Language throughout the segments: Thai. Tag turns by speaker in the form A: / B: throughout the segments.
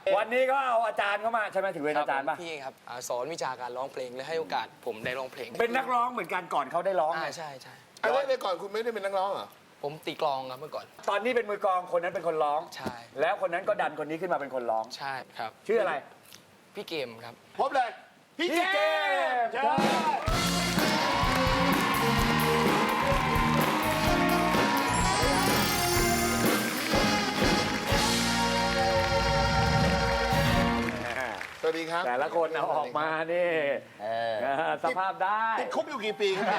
A: วันนี้ก็เอาอาจารย์เข้ามาใช่ไหมถึงเป็นอาจารย์ป่ะ
B: พี่ครับสอนวิชาการร้องเพลงและให้โอกาสผมได้ร้องเพลง
A: เป็นนักร้องเหมือนกันก่อนเขาได้ร้อง
B: ใช่
C: อะไรในก่อนคุณไม่ได้เป็นนักร้องเหรอ
B: ผมตีกลองครับเมื่อก่อน
A: ตอนนี้เป็นมือกลองคนนั้นเป็นคนร้อง
B: ใช่
A: แล้วคนนั้นก็ดันคนนี้ขึ้นมาเป็นคนร้อง
B: ใช่ครับ
A: ชื่ออะไร
B: พี่เกมครับ
C: พบเลย พี่เจมส์
A: เชิญ
C: สวัสดีครับ
A: แต่ละคนเอาออกมานี่สภาพได้
C: ติดคุกอยู่กี่ปีครับ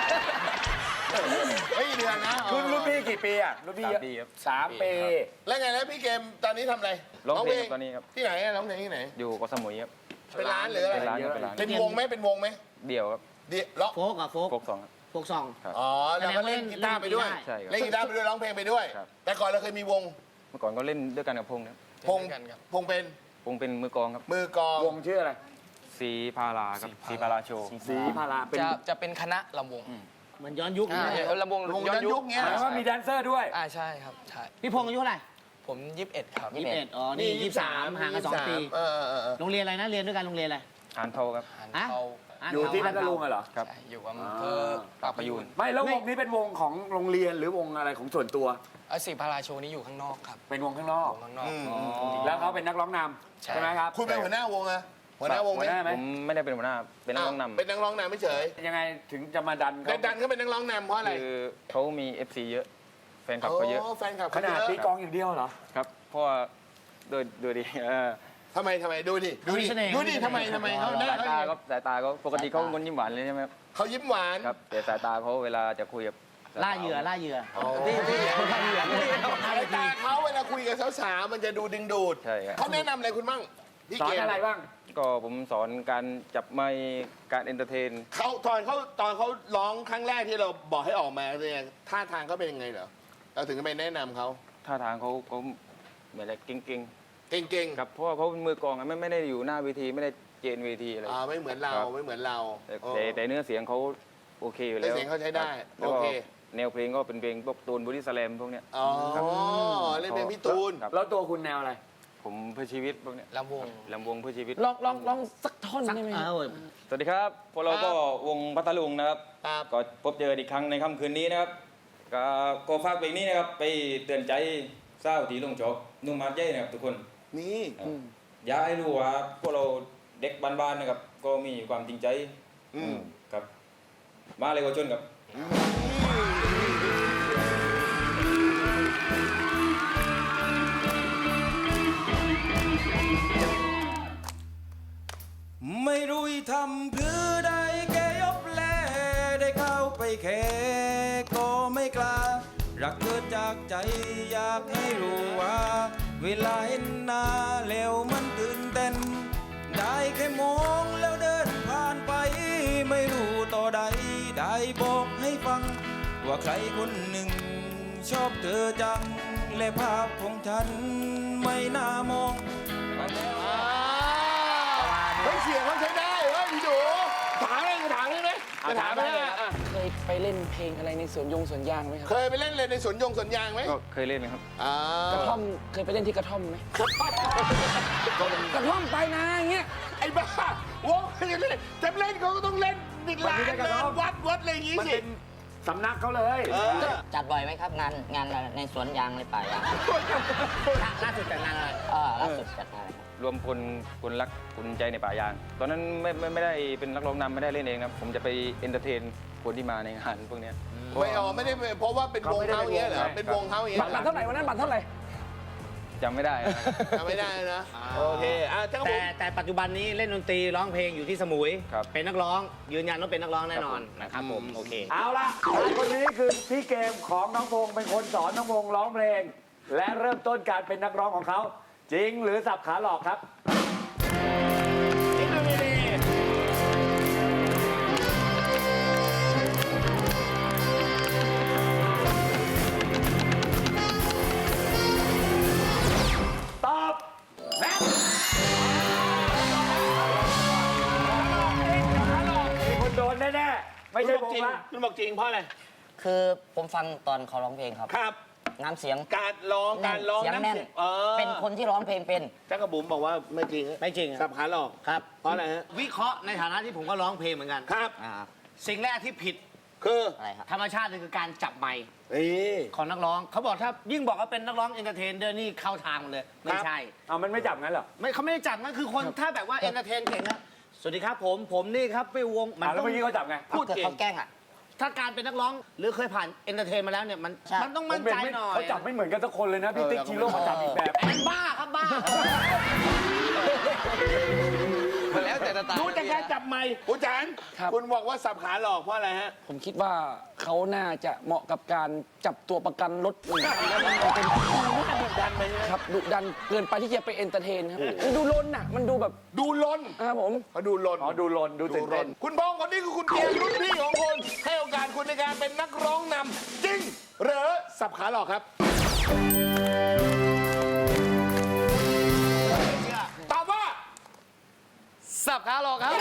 C: ไม่เดือนนะ
A: รุ่นพี่กี่ปีอ่ะรุ่นพี่เยอะ
D: 3 ปีครับ
A: 3 ปี
C: แล้วไงนะพี่เกมตอนนี้ทำอะไร
D: ร้องเพลงตอนนี้ครับ
C: ที่ไหนอะร้องเพลงที่ไหน
D: อยู่เกาะสมุยครับ
C: เป็นร้านหรืออะไร
D: เป็นร้านครับเป็นร้าน
C: เป็นวงไหมเป็นวงไหม
D: เดี่ยวครับ
C: เดี๋ยวร้อง
E: โฟกอะโฟก
D: โฟกสองครับ
E: โฟกซอง
C: อ๋อแล้วก็เล่นกีตาร์ไปด้วย
D: ใช่ครับ
C: เล่นกีตาร์ไปด้วยร้องเพลงไปด้วย
D: ครับ
C: แต่ก่อนเราเคยมีวง
D: เมื่อก่อนก็เล่นด้วยกันกับพงษ์นะครับ
C: พง
B: เล่นกันครับ
C: พงเป็น
D: พงษ์เป็นมือกลองครับ
C: มือกลอง
A: วงชื่ออะไร
D: สีพาราครับสีพาราโชว์
A: สีพาราเป็น
B: จะเป็นคณะลำวง
E: เหมือนย้อนยุคนะ
B: ลำวง
C: วงย้อนยุคเงี้ย
A: หมายว่ามีแดนเซอร์ด้วย
B: ใช่ครับใช่
E: พี่พงษ์อายุเท่าไหร่
B: ผม21ครับ
E: 21อ๋อ นี่ 23ห่างกัน2 ปี
C: เออ
E: โรงเรียนอะไรนะ เรียนด้วยกันโรงเรียนอะไร
D: หานเทาครับ
B: หัน
E: ฮะ
B: เขา
A: อยู่ที่พัทลุงเหรอ
D: ครับ
B: ใช่อยู่อำเภอ
D: ปากพยูน
A: ไม่แล้ววงนี้เป็นวงของโรงเรียนหรือวงอะไรของส่วนตัว
B: สีพาราโชว์นี้อยู่ข้างนอกครับ
A: เป็นวงข้างนอก
B: วงข้างนอก
A: แล้วเขาเป็นนักร้องนำ
B: ใช่
A: ใช่ไหมครับ
C: คุณเป็นหัวหน้าวงอะหัวหน้าวงไหม
A: หัวหน้าไหม
D: ผมไม่ได้เป็นหัวหน้าเป็นนักร้องนำ
C: เป็นนักร้องนำไม่เฉย
A: ยังไงถึงจะมาดัน
C: แต่ดันเขาเป็นนักร้องนำเพราะอะไร
D: คือเขามี FC เยอะ แฟนคลับเขาเยอะ
C: แฟนคลับ
A: ข
C: เขาเย
A: นาด
C: อะ
A: ตีกลองอย่างเดียวเหรอ
D: ครับ เพราะว่าโดยดี
C: ทำไมดูดิดูดิ
E: มีเสน่ห์
C: ดูดิทำไมเขาหน้า
D: สายตาก็สายตาก็ปกติเขาเป็นคนยิ้มหวานเลยใช่ไหมครับ
C: เขายิ้มหวาน
D: ครับแต่สายตาเขาเวลาจะคุยกับ
E: ล่าเหยื่อล่าเหยื่อ
C: ที่สายตาเขาเวลาคุยกับสาวๆมันจะดูดึงดูด
D: ใช่ครับ
C: เขาแนะนำอะไรคุณบ้างพี่
A: สอ
C: เก
A: น
C: ม
A: อะไรบ้าง
D: ก็ผมสอนการจับไมค์การเอนเตอร์เทน
C: เขาตอนเขาร้องครั้งแรกที่เราบอกให้ออกมาเนี่ยท่าทางเขาเป็นยังไงเหรอเราถึงจะไปแนะนำเขา
D: ท่าทางเขาเหมือนอะไรเก่ง
C: เก่ง
D: ๆครับเพราะว่าเขาเป็นมือกลองอะไม่ได้อยู่หน้าเวทีไม่ได้เจนเวทีอะไร
C: ไม่เหมือนเรา
D: ครับ
C: ไม่เหมือนเรา
D: แต่เนื้อเสียงเขาโอเคอยู่
C: เนื้
D: แล้
C: อ
D: ว
C: เสียงเขาใช้ได้
D: แล้ว
C: โอ
D: ก็
C: เค
D: แนวเพลงก็เป็นเพลงพวกตูนบอดี้สแลมพวกเนี้ย
C: อ๋อเล่นเป็นพี่ตูน
D: ครับ
A: แล้วตัวคุณแนวอะไร
D: ผมเพื่อชีวิตพวกเนี้ย
B: ลำวง
D: ลำวงเพื่อชีวิต
B: ลองสักท่อนได้ไหม
D: สวัสดีครับพวกเราก็วงพัทลุงนะครับ
C: ครับ
D: ก็พบเจออีกครั้งในค่ำคืนนี้นะครับก็ฝากเพลงนี้นะครับไปเตือนใจเศร้าที่ลงจบนุ่มมาดเย้นะครับทุกคน
C: นี่
D: อยากให้รู้ว่าพวกเราเด็กบ้านๆนะครับก็มีความจริงใจครับ มาเลยก็ชนครับ ไม่รู้ทำเพื่อใดแกยบแลได้เข้าไปแค่ก็ไม่กล้ารักเกิดจากใจอยากให้รู้ว่า เวลาเห็นหน้าแล้วมันตื่นเต้น ได้แค่มองแล้วเดินผ่านไป ไม่รู้ต่อใดได้บอกให้ฟัง ว่าใครคนหนึ่งชอบเธอจัง และภาพของฉันไม่น่ามอง
C: เฮ้ยเสียงเขาใช้ได้เฮ้ยพี่ดูถามได้ไหมจะถามได้ไหม
B: เคยไปเล่นเพลงอะไรในสวนยางไหมครับ
C: เคยไปเล่นเลยในสวนยางไหม
D: ก็เคยเล่นไหมครับ
B: กระท่อมเคยไปเล่นที่กระท่อมไหมกระท่อมไปนะอย่างเงี้ย
C: ไอ้บ้าวงจะเล่นเขาก็ต้องเล่นติดร้านเดินวัดอะไรอย่างงี้
A: มัน
C: สิ
A: เป็นสำนักเขาเลย
F: จัดบ่อยไหมครับงานในสวนยางในป่ายาง
E: ล่าสุดแต่งงานอะไร
F: ล่าสุดจัดงานอะไรครับ
D: รวมคนรักคนใจในป่ายาง ตอนนั้นไม่ได้เป็นนักร้องนำไม่ได้เล่นเองนะผมจะไปเอนเตอร์เทนคนที่มาในงานพวกเนี้ย
C: ไม่ได้เพราะว่าเป็นวงเขาอย่างเงี้ยเหรอเป็นวงเขาอย่างเงี้ย
B: บัตรเท่าไหร่วันนั้นบัตรเท่าไหร่
D: จำไม่ได้นะ
C: จำไม่ได้นะโอเคเจ้าผม
E: แต่ปัจจุบันนี้เล่นดนตรีร้องเพลงอยู่ที่สมุย
D: ครับ
E: เป็นนักร้อง ยืนยันว่าเป็นนักร้องแน่นอนนะครับผม โอเค
A: เอาละคนนี้คือพี่เกมของน้องพงษ์เป็นคนสอนน้องพงษ์ร้องเพลง และเริ่มต้นการเป็นนักร้องของเขา จริงหรือสับขาหลอกครับ
C: จริงหรือไม่ดี
A: ตอบแม่มีคนโดนแน่ๆไม่ใช่ผมละ
E: คุณบอกจริงเพราะอะไร
F: คือผมฟังตอนเขาร้องเพลงครับ
C: ครับ
F: ผน้ำเสียง
C: การร้อง
F: เสียงแน่น เป็นคนที่ร้องเพลงเป็น
C: จักรบุ๋มบอกว่าไม่จริง
E: ไม่จริง
C: สับขาหลอก
E: ครับ
C: เพราะอะไรฮะ
E: วิเคราะห์ในฐานะที่ผมก็ร้องเพลงเหมือนกัน
C: ครับ
F: อ่า
E: สิ่งแรกที่ผิด
C: คือ
F: อะไรครับ
E: ธรรมชาติเลยคือการจับไมค์
C: นี่
E: ของนักร้องเขาบอกถ้ายิ่งบอกว่าเป็นนักร้องเอนเตอร์เทนเดอร์นี่เข้าทางหมดเลย ไม่ใช่
A: เอามันไม่จับงั้นเหรอ
E: ไม่เขาไม่ได้จับนั่นคือคนถ้าแบบว่าเอนเตอร์เทนเก่งนะสวัสดีครับผมนี่ครับไปวงมัน
A: แล้ว
E: ต้อง
A: เมื่อกี้เขาจับไง
E: พูดเก่ง
F: เขาแกล้งอ่ะ
E: ถ้าการเป็นนักร้องหรือเคยผ่านเอนเตอร์เทนมาแล้วเนี่ยมัน
F: ใช่
E: มันต้องมั่นใจหน่อย
A: เขาจับไม่เหมือนกันสักคนเลยนะพี่ติ๊กชิโร่เขาจับอีกแบบ
E: เป็นบ้าครับบ้า
B: มันแล้วแต่ตา
C: ดูจากการจับไมค์คุณจัน
B: ครับ
C: คุณบอกว่าสับขาหลอกเพราะอะไรฮะ
B: ผมคิดว่าเขาน่าจะเหมาะกับการจับตัวประกันรถหนึ่งคันแล้วมันเป็น
C: ดุดันไปใช่ไหม
B: ครับดุดันเกินไปที่จะไปเอนเตอร์เทนครับมันดูลนอ่ะมันดูแบบ
C: ดูลน
B: ครับผม
C: เขาดูลน
A: อ๋อดูลนดูตื่นเต้น
C: คุณพงษ์คนนี้คือคุณเกียร์รุ่นพี่ของคุณให้โอกาสคุณในการเป็นนักร้องนำจริงหรือสับขาหลอกครับตอบว่า
B: สับขาหลอกครับ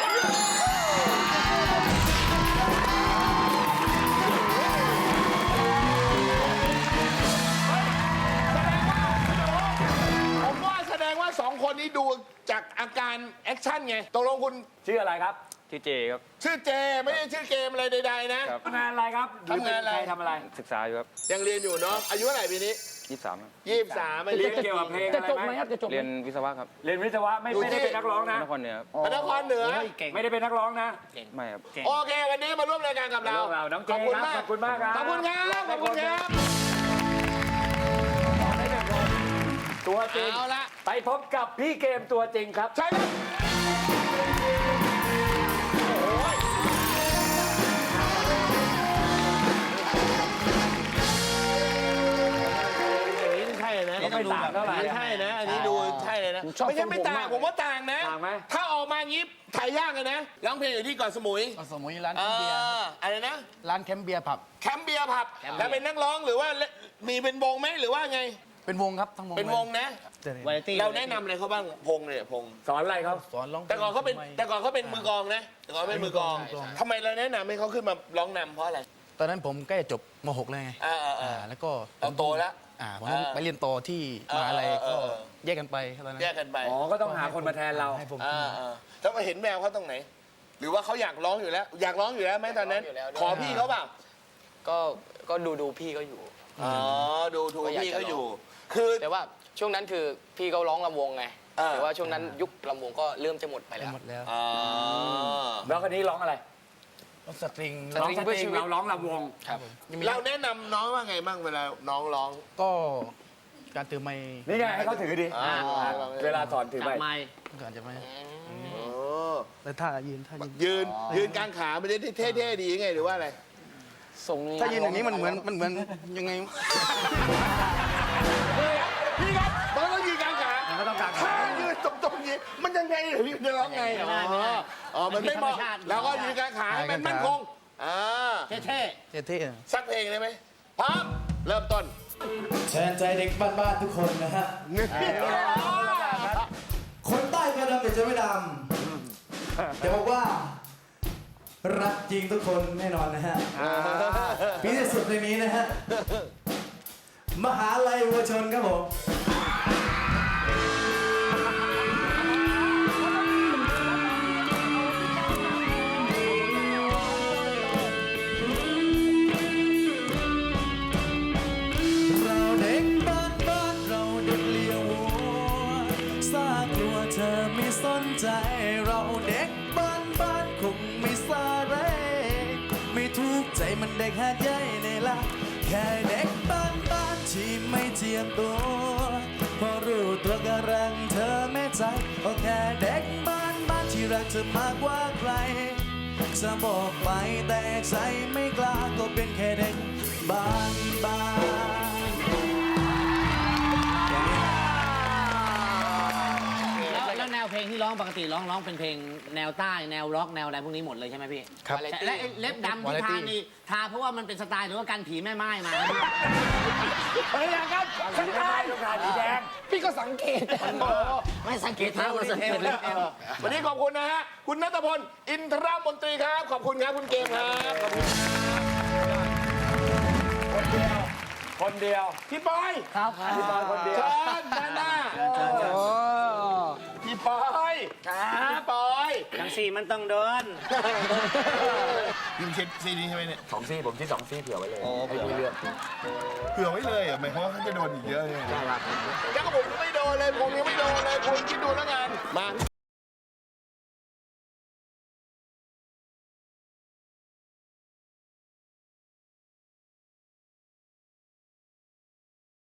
C: ผมว่าแสดงว่าสองคนนี้ดูจากอาการแอคชั่นไงตกลงคุณ
A: ชื่ออะไรครับ
G: ชื่อเจครับ
C: ชื่อเจไม่ได้ชื่อเกมอะไรใดๆนะ
A: ทำงานอะไรครับ
C: ทำงานอะไร
A: ใครทำอะไร
G: ศึกษาอยู่ครับ
C: ยังเรียนอยู่เนาะอายุเท่าไหร่ปีนี้
G: 23ครับ
C: 23ไม่
A: เรี
C: เรี
A: ย
C: ย
A: น
C: น
A: เกี่ยวกับเพลง
B: จะ
A: อะไร
B: จบไห
A: ไห
B: ม
A: ม
B: ครับจะจบไหม
G: เรียนวิศวะครับ
A: เรียนวิศวะไม่ได้เป็นนักร้องนะ
G: นครเหนือครับ
C: พระนครเหนือ
E: เก่ง
A: ไม่ได้เป็นนักร้องนะ
G: ไม่ครับ
C: โอเค วันนี้มาร่วมรายการกับเรา
A: เราน้องเจ
C: ขอบคุณ
A: ครับ
C: มาก
A: ขอบคุณมากครับ
C: ขอบคุณครับขอบคุณครับ
A: ตัวจริง
C: เอาละ
A: ไปพบกับพี่เกมตัวจริงครับ
C: ใช่ครับอย่างนี้ใช่นะ
A: ก็ไม่ต่างเท่าไหร่
C: ไม่ใช่นะ อันนี้ดูใช่เลยนะ
B: ผมชอบ
C: ไม่ใช่ไม่
B: ทรงผม
C: ต่าง
B: มาก
C: ผมว่าต่างนะ
A: ต่างไหม
C: ถ้าออกมางี้ถ่ายยากเลยนะร้องเพลงอยู่ที่เกาะสมุย
H: สมุยร้าน
C: เอ
H: แคมป์เบียร์
C: ออะไรนะ
H: ร้านแคมป์เบียร์ผับ
C: แคมป์เบียร์ผับ แล้วเป็นนักร้องหรือว่ามีเป็นวงไหมหรือว่าไง
H: เป็นวงครับทั้งวง
C: เป็นวงนะ
E: วาไรตี้
C: เราแนะนำอะไรเขาบ้างพงเนี่ยพง
A: สอนอะไรเขา
H: สอนร้อง
C: แต่ก่อนเขาเป็นมือกลองนะแต่ก่อนเป็นมือกลองทำไมเราแนะนำให้เขาขึ้นมาร้องนำเพราะอะไร
H: ตอนนั้นผมใกล้จะจบม .6 แล้วไง แล้วก็
C: เราโตแล้ว
H: ผมต้องไปเรียนต่อที่มหาลัยก็
C: เออ
H: แยกกันไปตอนนั้น
C: แยกกันไป
A: อ๋อก็ต้องหาคนมาแทนเรา
H: ให้ผม
C: แล้วมาเห็นแววเขาตรงไหน หรือว่าเขาอยากร้องอยู่แล้ว อยากร้องอยู่แล้วไหมตอนนั้น ขอพี่เขาเปล่า
I: ก็ดูพี่ก็อยู่
C: อ๋อดูถูก
I: ก็อยาก
C: พี่
I: จะ
C: เขาอยู่
I: ร้
C: คือ
I: แต่ว่าช่วงนั้นคือพี่เขาร้องลำวงไง
C: อ่า
I: แต่ว่าช่วงนั้นยุคลำวงก็เริ่มจะหมดไป
H: ไป
I: แล้ว
H: หมดแล้ว
C: อ๋อ
A: แล้วคนนี้ร้องอะไร
H: ร้องสตริง
A: ร้องสตริงเราร้องลำวง
C: เราแนะนำน้องว่าไงบ้างเวลาน้องร้อง
H: ก็การถือไม้
A: นี่ไงให้เขาถือดิ
C: อ่า
A: เวลาสอนถือ
E: จั
A: ไป
E: บไมค์
H: ก่อนจะไม่
C: โอ้
H: แต่ท่ายืนท่ายืน
C: ยืนกลางขามันจะเท่ๆดีไงหรือว่าอะไร
B: ทรงนี้
H: ถ้ายืนอย่างนี้มันเหมือนยังไง
C: พี่ครับมันต้องยืนกลางขา
A: มันก็ต้องกลางขา
C: ถ้ายืนตรงๆอย่างนี้มันยังไงเหรอพี่จะร้องไง
E: ไม่ได้ไม่ได้
C: อ๋อมันไม่เหมาะ
E: มันเป็นธรรมชาติ
C: แล้วก็ยืนกลางขาให้มันมั่นคงอ่า
E: เท่
H: เท่
C: สักเพลงได้ไหมพร้อมเริ่มต้น
J: แทนใจเด็กบ้านๆทุกคนนะฮะ คนใต้ก็ดำแต่จะไม่ดำจะบอกว่า รักจริงทุกคนแน่นอนนะฮะปีที่สุดในนี้นะฮะ มหาลัยวัวชนครับผม เราเด็กบ้านเราเด็กเลี้ยววัวซากลัวเธอไม่สนใจ เราเด็กบ้านคงไม่ซาเรไม่ถูกใจมันเด็กหาดใหญ่ในละแค่เด็กบ้านที่ไม่เจียมตัวพอรู้ตัวก็รังเธอแม่ใจก็แค่เด็กบ้านที่รักเธอมากกว่าใครจะบอกไปแต่ใจไม่กล้าก็เป็นแค่เด็กบ้าน
E: ๆแล้วแนวเพลงที่ร้องปกติร้องเป็นเพลงแนวใต้แนวร็อกแนวอะไรพวกนี้หมดเลยใช่ไหมพี่
H: ครับ
E: และไอ้เล็บดำที่ทานี่ทาเพราะว่ามันเป็นสไตล์หรือว่ากันผีแม่ไม้มา
A: เฮ้ยอย่างนั้นฉันได้ต้องการสีแดง
B: พี่ก็สังเกต
F: ไม่สังเกตเท้าสังเกตเลย
C: วันนี้ขอบคุณนะฮะ คุณณัฐพล อินทรมนตรีครับ ขอบคุณครับ คุณเกมครับ ขอบคุณครับ
A: คนเดียว
C: พี่ปอย
E: ครับ
A: พี่ปอยคนเดียว
C: เชิญด้านหน้าพี่ปอยพี่ปอย
E: ทั้งสี่มันต้องโดน
C: ยิมเช็ดซีนี้ใช่ไหมเนี่ย
A: 2 ซี่ผมที่2 ซี่เผื่อไว้เลย
C: อ๋อ
A: ให้พี่เลือก
C: เผื่อไว้เลยอ่ะหมายความว่าเขาจะโดนอีกเยอะเลยแล้วก็ผมยังไม่โดนเลยผมยังไม่โดนเลยคุณคิดดูแล้วกัน